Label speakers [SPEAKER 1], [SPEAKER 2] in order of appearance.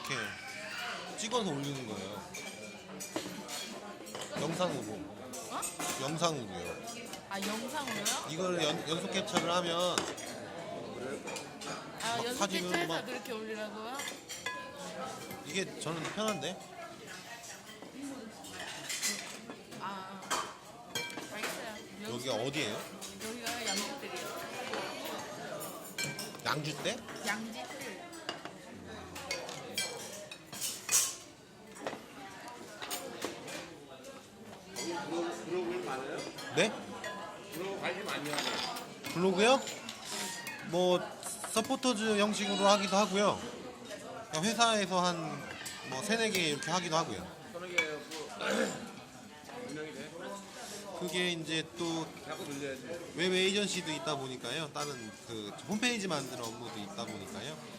[SPEAKER 1] 이렇게 찍어서 올리는 거예요. 영상으로.
[SPEAKER 2] 어?
[SPEAKER 1] 영상으로요.
[SPEAKER 2] 아 영상으로요?
[SPEAKER 1] 이걸 연속 캡처를 하면
[SPEAKER 2] 아
[SPEAKER 1] 막
[SPEAKER 2] 연습
[SPEAKER 1] 사진은
[SPEAKER 2] 캡처해서
[SPEAKER 1] 막-
[SPEAKER 2] 그렇게 올리라고요?
[SPEAKER 1] 이게 저는 편한데.
[SPEAKER 2] 아 알겠어요.
[SPEAKER 1] 여기가 어디예요?
[SPEAKER 2] 여기가 양지뜰이요.
[SPEAKER 1] 양주대?
[SPEAKER 2] 양지뜰.
[SPEAKER 3] 블로그는 많아요?
[SPEAKER 1] 네?
[SPEAKER 3] 블로그 관심 많이 하네.
[SPEAKER 1] 블로그요? 뭐 서포터즈 형식으로 하기도 하고요. 그냥 회사에서 한 뭐 세네 개 이렇게 하기도 하고요.
[SPEAKER 3] 서너 개 운영이 돼.
[SPEAKER 1] 그게 이제 또
[SPEAKER 3] 자꾸 늘려야지.
[SPEAKER 1] 웹 에이전시도 있다 보니까요. 다른 그 홈페이지 만드는 업무도 있다 보니까요.